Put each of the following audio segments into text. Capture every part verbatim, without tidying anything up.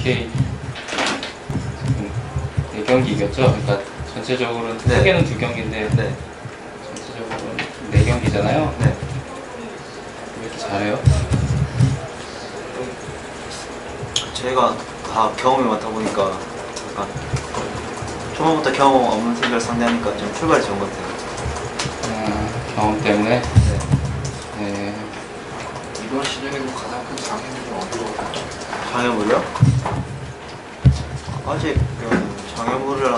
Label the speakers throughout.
Speaker 1: 에스케이 네 경기 이겼죠? 그러니까 전체적으로는
Speaker 2: 네.
Speaker 1: 크게는 두 경기인데
Speaker 2: 네.
Speaker 1: 전체적으로는 네 경기잖아요.
Speaker 2: 네.
Speaker 1: 왜 이렇게 잘해요?
Speaker 2: 저희가 다 경험이 많다 보니까 약간 초반부터 경험 없는 팀들 상대하니까 좀 출발이 좋은 것 같아요.
Speaker 1: 아, 경험 때문에.
Speaker 2: 네.
Speaker 1: 네.
Speaker 3: 이번 시즌에서 가장 큰 장애물은 어디로 가요?
Speaker 2: 장애물이요? 아직 그 장애물이랑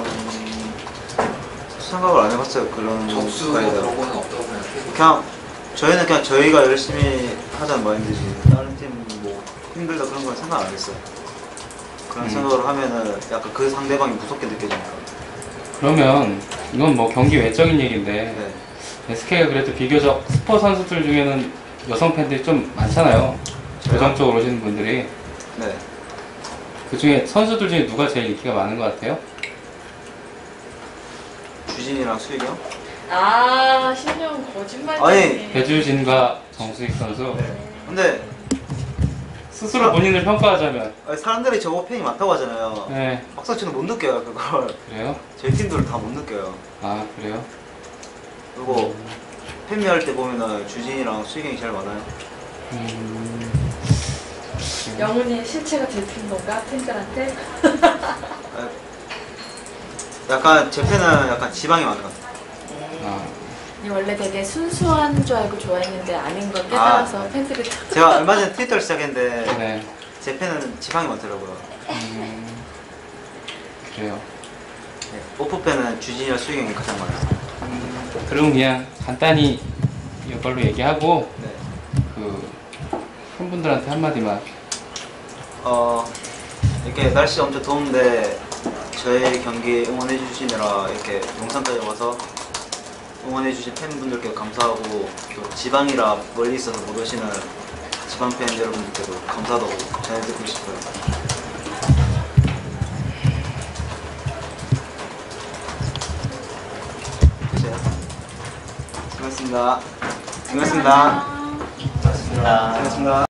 Speaker 2: 생각을 안 해봤어요. 그런
Speaker 3: 적수
Speaker 2: 거에 대해서.
Speaker 3: 그런 거는 없다고 생각해요.
Speaker 2: 그냥 저희는 그냥 저희가 열심히 하자는 마인드지 다른 팀 뭐 힘들다 그런 건 생각 안 했어요. 그런
Speaker 1: 음.
Speaker 2: 생각을 하면은 약간 그 상대방이 무섭게 느껴지니까.
Speaker 1: 그러면 이건 뭐 경기 외적인 얘기인데
Speaker 2: 네.
Speaker 1: 에스케이가 그래도 비교적 스포 선수들 중에는 여성 팬들이 좀 많잖아요. 고정적으로 오시는 분들이.
Speaker 2: 네.
Speaker 1: 그 중에 선수들 중에 누가 제일 인기가 많은 것 같아요?
Speaker 2: 주진이랑 수익이 형?
Speaker 4: 아, 신영 거짓말.
Speaker 2: 아니,
Speaker 1: 배주진과 정수익 선수.
Speaker 2: 네. 근데
Speaker 1: 스스로 본인을 평가하자면.
Speaker 2: 아니, 사람들이 저거 팬이 많다고 하잖아요.
Speaker 1: 네.
Speaker 2: 막상 저는 못 느껴요 그걸.
Speaker 1: 그래요?
Speaker 2: 저희 팀들은 다 못 느껴요.
Speaker 1: 아, 그래요?
Speaker 2: 그리고 팬미할 때 보면은 주진이랑 수익이 형이 제일 많아요.
Speaker 1: 음...
Speaker 4: 영훈이 실체가 들킨 건가? 팬들한테?
Speaker 2: 약간 제 팬은 약간 지방이 많은 것 같아요.
Speaker 1: 아,
Speaker 4: 이 원래 되게 순수한 줄 알고 좋아했는데 아닌 걸 깨달아서
Speaker 2: 아,
Speaker 4: 팬들이
Speaker 2: 제가 얼마 전에 트위터를 시작했는데
Speaker 1: 네.
Speaker 2: 제 팬은 지방이 많더라고요.
Speaker 1: 음... 그래요.
Speaker 2: 네, 오프 팬은 주진이랑 수익이 형이 가장 많아요.
Speaker 1: 음, 그럼 그냥 간단히 이걸로 얘기하고
Speaker 2: 네.
Speaker 1: 그 팬분들한테 한마디만.
Speaker 2: 어 이렇게 날씨 엄청 더운데 저희 경기 응원해 주시느라 이렇게 용산까지 와서 응원해 주신 팬분들께 감사하고 또 지방이라 멀리 있어서 못 오시는 지방 팬 여러분들께도 감사하다고 전해드리고 싶어요. 끝이에요. 수고하셨습니다. 수고하셨습니다.
Speaker 4: 안녕.
Speaker 2: 수고하셨습니다.